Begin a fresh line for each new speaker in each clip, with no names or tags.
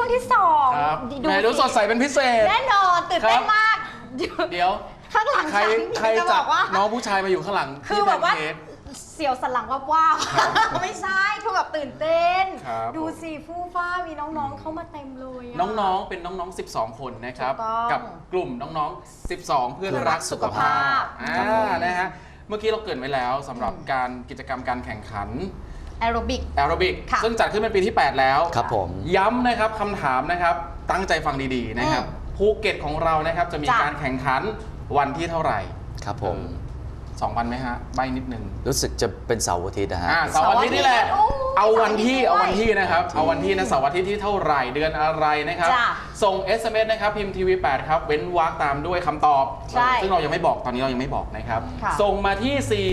งที่
ครับ
2
ไหนดูสดใสเป็นพิเศษ
แน่นอนตื่นเต้นมาก
เดี๋ยว
ข้างหลัง
ใคร
ฉันจะ
จั
บอกว่า
น้องผู้ชายมาอยู่ข้างหลัง
คือ
ที่
แบ
แพ
บ
น
ว่า
เค้ก
เสียวสันหลังว่าไม่ใช่คือแบบตื่นเต้น
ครับ
ดูสิฟู่ฟ้ามีน้องๆเข้ามาเต็มเลยอะ
น้องๆ เป็นน้องๆ 12 คนนะครับ
ถูกต้อง
กับกลุ่มน้องๆ 12 เพื่อนรักสุขภาพ
ครับผม
นะฮะ เมื่อกี้เราเกริ่นไว้แล้วสำหรับการกิจกรรมการแข่งขัน
แอโรบิก
แอโรบิก
ค่ะ
ซึ่งจัดขึ้นเป็นปีที่ 8 แล้ว
ครับผม
ย้ำนะครับคำถามนะครับ ตั้งใจฟังดีๆนะครับ ภูเก็ตของเรานะครับจะมี
จ้ะ
การแข่งขันวันที่เท่าไหร่
ครับผม
2 วันไหมฮะ ใบนิดนึง
รู้สึกจะเป็นเสาร์อาทิตย์นะฮะ
เสาร์อาทิตย์นี่แหละ
โอ้ย
เอาวันที่
เสาร์อาทิตย์ด้วย
นะครับ
เสา
เอา
ร์อาทิตย์
วันที่นะเสาร์อาทิตย์ที่เท่าไหร่เดือนอะไรนะครับ
จ้ะ
ส่ง SMS นะครับพิมพ์ทีวี8ครับเว้นวรรคตามด้วยคำตอบ
ใช่
ซึ่งเรายังไม่บอกตอนนี้เรายังไม่บอกนะครับ
ค่ะ
ส่งมาที่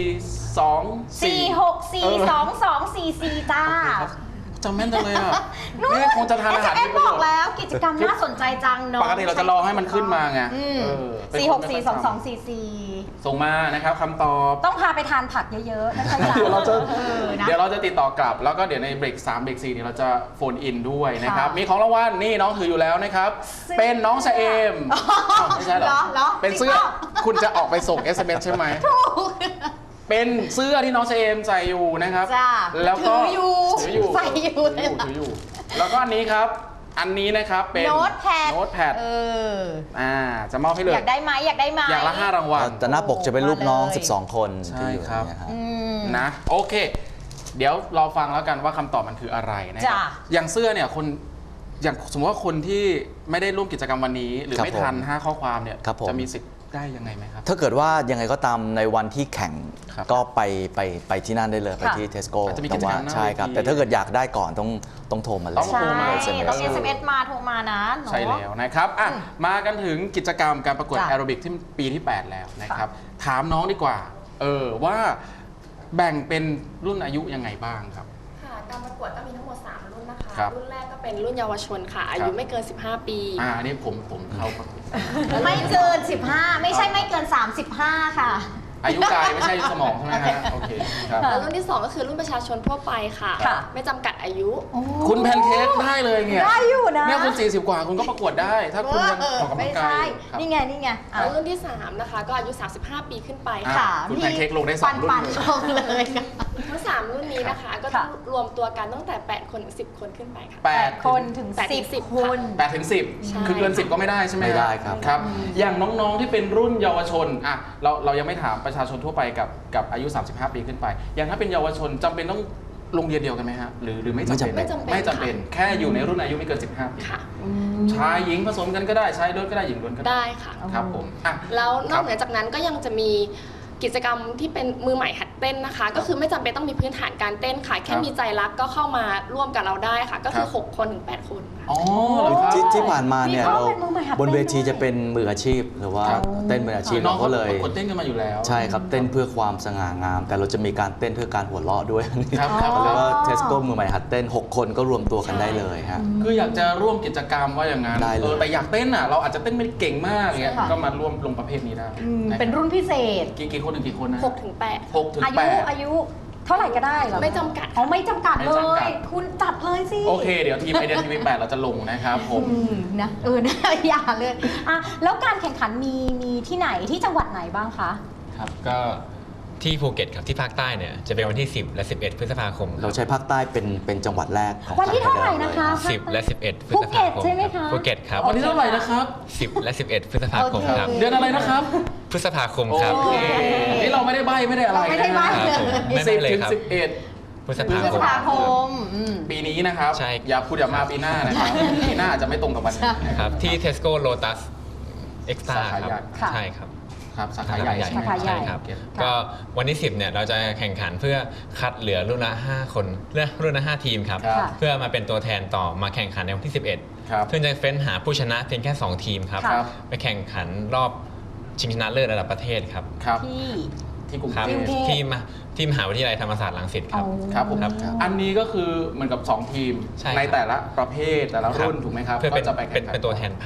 4642244จ้า
จำแม่นจังเลยอ่ะ
นู่น
นี่คงจะทานอาหาร
เอ
มี
ส
ประ
บ
โย
อก
ชน์
แล้วกิจกรรมน่าสนใจจังเนาะ
ปกติเราจะรอให้มันขึ้นมาไง เป็น
สี่
ค
ห
น
ก
ไม่
สี่
ค่
ส
อย
อง
ทำ
สองสี่สี่
ส่งมานะครับคำตอบ
ต้องพาไปทานผักเยอะๆนะคะ
เดี๋ยวเราจะ
นะ
เดี๋ยวเราจะติดต่อกลับ แล้วก็เดี๋ยวในเบรก3เบรก4เนี่ยเราจะโฟนอินด้วยนะครับ
ค่ะ
มีของรางวัลนี่น้องถืออยู่แล้วนะครับ
เสื้อ
เป็นน้องชะเอมอ้าวไม่ใช่เหรอ
เหรอ
เป็นเสื้อ
จริงเปล่า
คุณจะออกไปส่ง SMS ใช่ไหม เป็นเสื้อที่น้องชะเอมใส่อยู่นะครับ
จ้า
แล้วก็
ถืออยู่ใส่อยู่
ถืออยู่ แล้วก็อันนี้ครับ อันนี้นะครับเป็น
โน้ตแพด
โน้ตแพด
เออ
จะมอบให้เลย
อยากได้ไหมอยากได้ไหม
อย่างละ5รางวัล
แต่หน้าปกจะเป็นรูปน้อง
มาเลย
12 คน
ใช่
ที่อยู่
ครับ
เนี่ยฮะ
อืม
นะโอเค เดี๋ยวรอฟังแล้วกันว่าคำตอบมันคืออะไรนะครับ
จ้ะ
อย่างเสื้อเนี่ยคนอย่างสมมติว่าคนที่ไม่ได้ร่วมกิจกรรมวันนี้ หรือ
ครับ
ไม่ทัน
ผม
5 ข้อความเนี่ย
ครับผม
จะมีสิทธิ์ได้ยังไงไหมครับ
ถ้าเกิดว่ายังไงก็ตามในวันที่แข่ง
ครับ
ก็ไปที่นั่นได้เลยไปที่เทสโก้
อาจจะมีกิจกรรมหน้า
ใช่ครับ
เวที
แต่ถ้าเกิดอยากได้ก่อนต้องโทรมาเลย
ต้อง
ใช่
โทรมา
ต้อง SMS มาโทรมานะเนอะ
ใช่แล้วนะครับอ่ะมากันถึงกิจกรรมการประกวด
จ้ะ
แอโรบิกที่ปีที่ 8 แล้วนะครับ ถามน้องดีกว่าว่าแบ่งเป็นรุ่นอายุยังไงบ้างครับ
ค่ะการประกวดก็มีทั้งหมด 3 รุ่นนะคะ
ครับ
รุ่นแรกก็เป็นรุ่นเยาวชนค่ะ อายุไม่เกิน 15 ปี
อันนี้ผมเข้าประกวด
ไม่เกิน 15 ไม่ใช่ไม่เกิน 35 ค่ะ
อายุกายไม่ใช่อายุสมองใช่ไหมฮะโอเคครับ
แล้วรุ่นที่ 2 ก็คือรุ่นประชาชนทั่วไปค่ะ
ค่ะ
ไม่จำกัดอายุ
คุณแพนเค้กได้เลยเนี่ย
ได้อยู่นะ
เนี่ยคุณ40 กว่าคุณก็ประกวดได้ ถ้าคุณยังออกกำลั
ไม่
งกา
ใช่
ยอยู่ครับ
นี่ไงนี่ไงอ่ะ
แล้วรุ่นที่ 3 นะคะ ก็อายุ 35 ปีขึ้นไป
อ่ะ
ค่ะ
คุณแพนเค้กลงได้สองรุ่น
ปัน
เลย
ๆลงเลยค่ะ
ทั้ง 3 รุ่นนี้นะคะ ก็
ค่ะ
รวมตัวกันตั้งแต่ 8 คนถึง 10 คนขึ้นไปค่ะ
8 คนถึง
8ถึง
10
10
คน
8ถึง
ใช่
10 คือเกิน 10 ก็ไม่ได้ใช่ไหม
ไม่ได้ครับ
ครับ อย่างน้องๆที่เป็นรุ่นเยาวชนเรายังไม่ถามประชาชนทั่วไปกับอายุ 35 ปีขึ้นไป อย่างถ้าเป็นเยาวชนจำเป็นต้องโรงเรียนเดียวกันไหมฮะหรือไม่จำเป็น
ไม่จำเป็น
ไม่จำเป็น
ค่ะ
แค่อยู่ในรุ่นอายุไม่เกิน 15 ปี
ค่ะ
ชายหญิงผสมกันก็ได้ชายล้วนก็ได้หญิงล้วนก็ได้
ได้ค่ะ
ครับผมอ่ะ
แล้วน
ครั
อบ กเหนือจากนั้นก็ยังจะมีกิจกรรมที่เป็นมือใหม่หัดเต้นนะคะ ก็คือไม่จำเป็นต้องมีพื้นฐานการเต้นค่ะ แค่มีใจรักก็เข้ามาร่วมกับเราได้ค่ะ ก็คือ 6 คนถึง 8 คนค่ะ
อ๋อเหรอครับ
ที่ผ่านมาเนี่ย
มีเขา
เรา
เป็นมือใหม่หัด
บนเวที
เต้นด้วย
จะเป็นมืออาชีพหรือว่า
ครับ
เต้นมืออาชีพ
น้อง
เรา
เขา
ก็เลย
ประกวดเต้นกันมาอยู่แล้ว
ใช่ครับเต้นเพื่อความสง่างาม แต่เราจะมีการเต้นเพื่อการหัวเราะด้วย
ครับครับ
แล้วก็เทสโก้มือใหม่หัดเต้น 6 คนก็รวมตัวกันได้เลยฮะ
คืออยากจะร่วมกิจกรรมว่าอย่างนั้น
ได้เลย
แต่อยากเต้นเราอาจจะเต้นไม่เก่งมากเงี้ย
ใช่ค่ะ
ก็มาร่วมลงประเภทนี้ได้
เป็น
ะคบ
รุ่นพิเศษ
กี่คนถึงกี่คนนะ
6 ถึง 8
6 ถึง
อายุ
8
อายุเท่าไหร่ก็ได้เหรอ
ไม่จำกัด
อ๋อไม่จำกัด
ไม่
เล
จำกั
ย
ด
คุณจัดเลยสิ
โอเค เดี๋ยวทีมไอเดียทีวี8เราจะลงนะครับผม
นะนะ อย่าเลยอ่ะแล้วการแข่งขันมีที่ไหนที่จังหวัดไหนบ้างคะ
ครับก็ที่ภูเก็ตครับที่ภาคใต้เนี่ยจะเป็นวันที่ 10 และ 11 พฤษภาคม
เราใช้ภาคใต้เป็นจังหวัดแรกของ
วันที่เท่าไหร่
ภคใต้
นะคะ
10 และ 11 พฤ
ภู
ษ
เก็
ภา
ต
คม
ใช่ไหมคะ
ภูเก็ตครับ
วันที่เท่าไหร่นะครับ
10 และ 11 พฤษภาคม
โอเค
ครับ
เดือนอะไรนะครับ
พฤษภาคมครับ
โอเคนี่เราไม่ได้ใบไม่ได้อะไร
เราไม่ได้ใบ้
ครับผมไม่
สิ
ไม่
บ
เลย
ถึง
ครับ
11
พฤษ
พฤ
ภา
ษ
คม
ภาคม
ปีนี้นะครับ
ใช่
อย่าพูดอย่ามาปีหน้านะครับ ปีหน้าอาจจะไม่ตรงกับวันนี้นะ
ค
ค
รั
รั
บบ ที่ Tesco Lotus Extra
สาขา
ครับ
ใหญ่
ค่ะ
ใช่ครับ
ครับสาขาใหญ่ใช่ไหม
สาขาใหญ่
ใช่ครับ ก็วันที่ 10 เนี่ยเราจะแข่งขันเพื่อคัดเหลือรุ่นละ 5 คนรุ่นละ 5 ทีมครับ
ครับ
เพื่อมาเป็นตัวแทนต่อมาแข่งขันในวันที่ 11
ครับ
เพื่อจะเฟ้นหาผู้ชนะเพียงแค่ 2 ทีมครับ
ครับ
ไปแข่งขันรอบชิงชนะเลิศระดับประเทศครับ
ครับ
ที่
ที่กรุง
ครับ
เทพ
ที่มหาวิทยาลัยธรรมศาสตร์รังสิตครับ
ครับผม
ครับ
อันนี้ก็คือเหมือนกับ 2 ทีม
ใช่ครับ
ในแต่ละประเภทแต่ละรุ่นถูกไหมครับ
เพื่อ
ก็จะไปแข่งขัน
เป็นตัวแทนภาค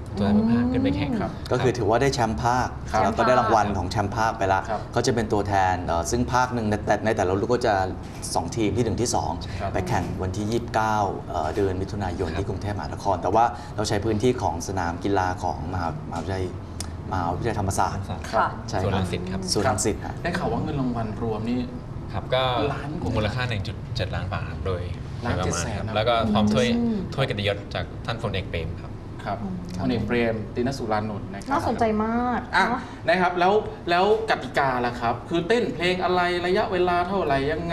ตัวแทนภาคขึ้นไปแข่ง
ครับ
ก็คือถือว่าได้แชมป์ภาค
ครับ
แล้วก็ได้รางวัลของแชมป์ภาคไปละ
ครับ
เขาจะเป็นตัวแทนซึ่งภาคหนึ่งในแต่ละรุ่นก็จะ 2 ทีมที่ 1 ที่
ครับ
2 ไปแข่งวันที่ 29เดือนมิถุนายนที่กรุงเทพมหานคร แต่ว่าเราใช้พื้นที่ของสนามกีฬาของมหาวิทยาลัยธรรมศาสตร์
ค่ะ
ใช่
ส่วน
ค
รั
รับ
งสิตครับ
ส่วนรังสิตฮะ
ได้ข่าวว่าเงินรางวัลรวมนี่
ครับก็
ล้านกว่า
มูลค่า 1.7 ล้านบาทโดย
ล้าน
ประมาณ
700,000
ครับ
นะ
แล้วก็พร้อมถ้วย
อืม
ถ้วยเกียรติยศจากท่านพลเอกเปรมครับ
ครับพลเอกเปรมติณสุรานนท์นะครับ
น่าสนใจมาก
อ่ะ
เนอะ
นะครับแล้วกติกาล่ะครับ คือเต้นเพลงอะไรระยะเวลาเท่าไหร่ยังไง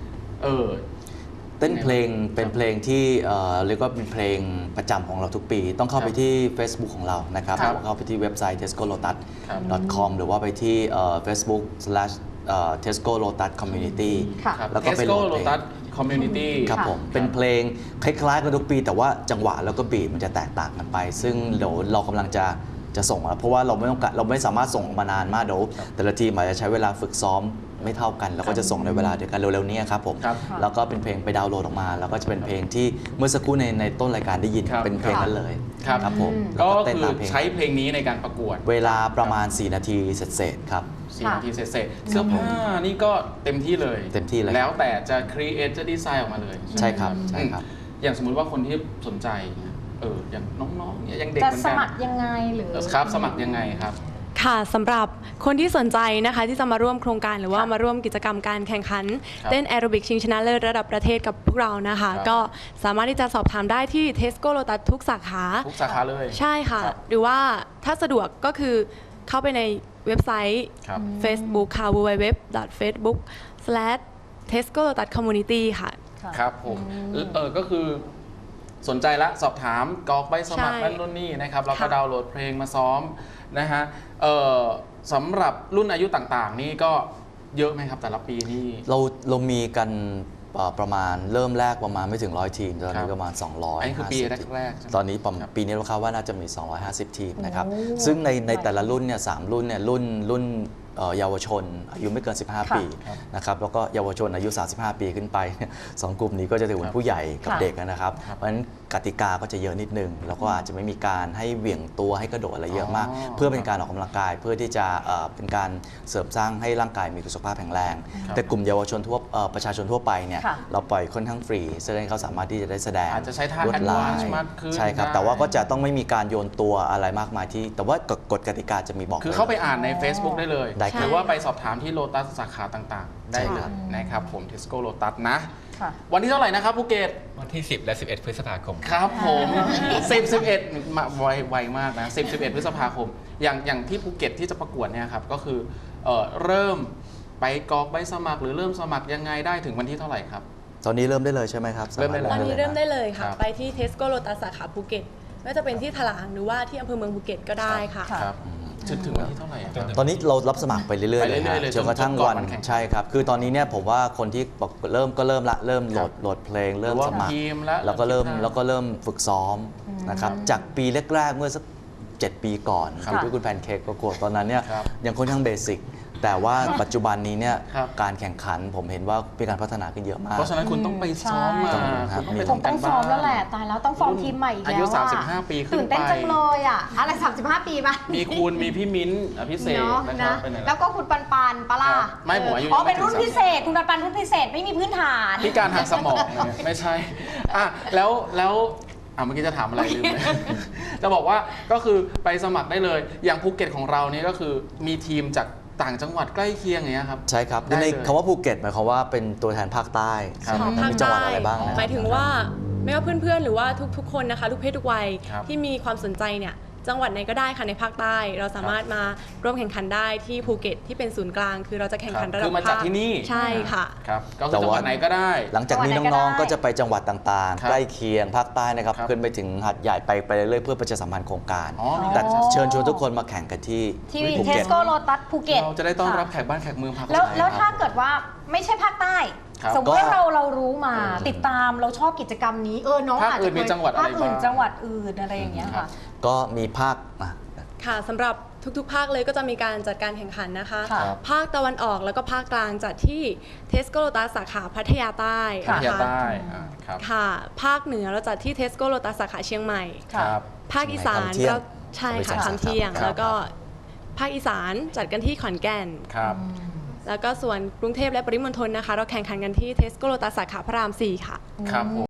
เต้นเพลงเป็นเพลงที่เรียกว่าเป็นเพลงประจำของเราทุกปี ต้องเข้าไปที่ Facebook ของเรานะครับ
ครับ
เข้าไปที่เว็บไซต์ tescolotus.com หรือว่าไปที่Facebook/Tesco Lotus Community
ค่ะ
ครับ
แล้วก็ไปโหล
Tesco
ดเพลง
Lotus Community
ครับผมเป็นเพลงคล้ายๆกันทุกปี แต่ว่าจังหวะแล้วก็บีทมันจะแตกต่างกันไป ซึ่งเดี๋ยวเรากำลังจะส่งแล้วเพราะว่าเราไม่สามารถส่งออกมานานมากเดี๋ยวแต่ละทีมอาจจะใช้เวลาฝึกซ้อมไม่เท่ากัน แล้วก็จะส่งในเวลาเดียวกันเร็วๆนี้ครับผม
ครับ
แล้วก็เป็นเพลงไปดาวน์โหลดออกมา แล้วก็จะเป็นเพลงที่เมื่อสักครู่ในต้นรายการได้ยิน
ครับ
เป็นเพลงนั้นเลย
ครับ
ผม
ก็
แล้วเต้น
คือ
ตามเพลง
ใช้เพลงนี้ในการประกวด
เวลาประมาณ 4 นาทีเสร็จๆครับ
4 นาทีเสร็จๆเสื้อผ้านี่ก็เต็มที่เลย
เต็มที่เลย
แล้วแต่จะครีเอทจะดีไซน์ออกมาเลย
ใช่ครับใช่ครับ
อย่างสมมุติว่าคนที่สนใจเนี่ยอย่างน้องๆเนี่ยยังเด็ก
จะ
เหมือน
ส
กัน
มัครยังไงหรือ
ครับสมัครยังไงครับ
ค่ะสำหรับคนที่สนใจนะคะที่จะมาร่วมโครงการหรือว่ามาร่วมกิจกรรมการแข่งขัน
ครับ
เต้นแอโรบิกชิงชนะเลิศระดับประเทศกับพวกเรานะคะ
ครับ
ก็สามารถที่จะสอบถามได้ที่ Tesco Lotus ทุกสาขา
ทุกสาขาเลย
ใช่ค่ะ
ครับ
หรือว่าถ้าสะดวกก็คือเข้าไปในเว็บไซต์
ครับ
Facebook ค่ะ www.facebook/tesco-lotus-community ค่ะ
ครับผมก็คือสนใจละสอบถามกรอกใบสมัคร
ใช่
นั่นนู่นนี่นะครับแล้วก็
ค่ะ
ดาวน์โหลดเพลงมาซ้อมนะฮะสำหรับรุ่นอายุต่างๆ นี่ก็เยอะไหมครับแต่ละปีนี่
เรามีกันประมาณเริ่มแรกประมาณไม่ถึง100 ทีมตอน
ครั
นี้
บ
ประมาณ 200
อันนี้คือปีแรกๆใช่ไหม
ตอนนี้ปีนี้เราคาดว่าน่าจะมี 250 ทีมนะครับซึ่งในแต่ละรุ่นเนี่ย3รุ่นเนี่ยรุ่นเยาวชนอายุไม่เกิน 15 ปีนะครับแล้วก็เยาวชนอายุ 35 ปีขึ้นไป สองกลุ่มนี้ก็จะถือเป็นผู้ใหญ่กับเด็กนะครับเพราะฉะนั้นกติกาก็จะเยอะนิดนึงแล้วก็อาจจะไม่มีการให้เหวี่ยงตัวให้กระโดดอะไรเยอะมาก เพื่อเป็นการออกกำลังกายเพื่อที่จะเป็นการเสริมสร้างให้ร่างกายมีสุขภาพแข็งแรง แต่กลุ่มเยาวชนประชาชนทั่วไปเนี่ย
ค่ะ
เราปล่อยค่อนข้างฟรีแสดงเขาสามารถที่จะได้แสดง
อาจจะใช้ท่า
ลวดลาย
advance มากขึ้น
ใช่ครับ
ได้
แต่ว่าก็จะต้องไม่มีการโยนตัวอะไรมากมายที่ แต่ว่ากฎกติกาจะมีบอก
คือเข้าไปอ่านใน Facebook ได้เลย
ได้ครับ
หรือว่าไปสอบถามที่โลตัสสาขาต่างๆ ได้
ใช่
เล
ครั
ย
บ
นะครับผม Tesco Lotus นะ
ค่ะ
วันที่เท่าไหร่นะครับภูเก็ต
วันที่ 10 และ 11 พฤษภาคม
ครับผม10 11มาไวมากนะ10 11 พฤษภาคม อย่างที่ภูเก็ตที่จะประกวดเนี่ยครับก็คือเริ่มไปกรอกใบสมัครหรือเริ่มสมัครยังไงได้ถึงวันที่เท่าไหร่ครับ
ตอนนี้เริ่มได้เลยใช่ไหมครับ
เริ่มได้เลย
ตอนนี้เริ่มได้เลย
ครั
ค่ะ
บ
ไปที่ Tesco Lotus สาขาภูเก็ตไม่ว่าจะเป็นที่ถลางหรือว่าที่อำเภอเมืองภูเก็ตก็ได้ค่ะ
ครับถึงวันที่เท่าไหร่ครับ
ตอนนี้เรารับสมัครไปเรื่อยๆเลย
ไปเรื่อยๆเลย
จนกระทั่ง
จนก่อน
วัน
วันแข่ง
ใช่ครับคือตอนนี้เนี่ยผมว่าคนที่บอกเริ่มโหลดเพลงเริ่ม
หรือว่า
สมัคร
ทีมแล้ว
แล้วก็เริ่ม
ทีม
แล้วก็เริ่มฝึกซ้อมนะครับจากปีแรกๆเมื่อสัก 7 ปีก่อน
ครับ
ที่คุณแพนเค้กประกวดตอนนั้นเนี่ย
ครับ
ยังค่อนข้างเบสิกแต่ว่าปัจจุบันนี้เนี่ย
ครับ
การแข่งขันผมเห็นว่ามีการพัฒนาขึ้นเยอะมาก
เพราะฉะนั้นคุณต้องไปซ้อมมา
ใช่
คุณต้องไป
คง
ทำ
ต้
กา
อง
ร
ซ้
บ้า
อมแล้วแหละตายแล้วต้องฟอร์มทีมใหม่อีกแล้ว
อายุ
อะ
35 ปีขึ้น
ตื่นเต้น
ไป
จังเลยอ่ะอะไร35 ปีป่ะ
มีคุณมีพี่มิ้นท์อภิเษก
เนาะ
นะครับ
นะ
เป็นไง
แล้วก็คุณปันปันปะล่ะ
ครับไม่ผมอายุ
อ๋อ
ยังไม่
เป็นรุ่น
ถึง
พิเศษ คุณปันปันรุ่นพิเศษไม่มีพื้นฐาน
พิการทางสมองเนี่ยไม่ใช่อ่ะแล้วเมื่อกี้จะถามอะไรลืมเลย จะบอกว่าก็คือไปสมัครได้เลย อย่างภูเก็ตของเรานี่ก็คือมีทีมจากต่างจังหวัดใกล้เคียงอย่างเงี้ยครับ
ใช่ครับ
ได้เลย
ในคำว่าภูเก็ตหมายความว่าเป็นตัวแทนภาคใต้
ครับ
ใช่ไหม
ภาค
มีจังหวัด
ใต้
อะไรบ้างนะ
หมายถึงว่าไม่ว่าเพื่อนๆ หรือว่าทุกๆ คนนะคะ ทุกเพศทุกวัย
ครับ
ที่มีความสนใจเนี่ยจังหวัดไหนก็ได้ค่ะในภาคใต้ เราสามารถมาร่วมแข่งขันได้ที่ภูเก็ตที่เป็นศูนย์กลาง คือเราจะแข่งขันระดับ
คือมาจัดที่นี่
ใช่ค่ะ
ครับก็คือจังหวัดไหนก็ได้
หลังจากนี้
จังหวัดไหนก็
น้อง
ได้
ๆ ก็จะไปจังหวัดต่าง
ครับ
ๆ ใกล้เคียงภาคใต้นะครับ
ครับ
ขึ้นไปถึงหัดใหญ่ไปเรื่อยๆเพื่อประชาสัมพันธ์โครงการ
อ๋อมี
แต่
การ
เชิญชวนทุกคนมาแข่งกันที่
ที่
ภู
เท
เก็
ส
ต
โก้โลตัสภูเก็ต
เราจะได้ต้อนรับ
ค่ะ
แขกบ้านแขกเมืองภาค
แล้ว
ใต้
แล้วถ้า
ครับ
เกิดว่าไม่ใช่ภาคใต้
ครับ
สมมติว่า
ก็
เรารู้มาติดตามเราชอบกิจกรรมนี้น้อง
ภาค
อาจ
อื่
จะ
นมีจังหวัดอะไร
ภาคอื่น
บ้าง
จังหวัดอื่นอะไรอย่างเงี้ย
ครั
ค่ะ
บ
ก็มีภาค
ค่ะสำหรับทุกๆ ภาคเลยก็จะมีการจัดการแข่งขันนะคะ
ค่ะ
ภาคตะวันออกแล้วก็ภาคกลางจัดที่ Tesco Lotus สาขาพัทยาใต้
พัทยา
นะคะ
ใต้ครับ
ค่ะ ภาคเหนือเราจัดที่ Tesco Lotus สาขาเชียงใหม่
ครับ
ภาคอีสาน
เชียงใหม่
เรา
ท่องเที่ยว
ใช่ค่ะ
สาม
ทำเที่ยง
ครับ
แล้วก็ภาคอีสานจัดกันที่ขอนแก่น
ครับ
แล้วก็ส่วนกรุงเทพและปริมณฑลนะคะ เราแข่งขันกันที่เทสโกโลตัสสาขาพระราม 4 ค่ะ
ครับผม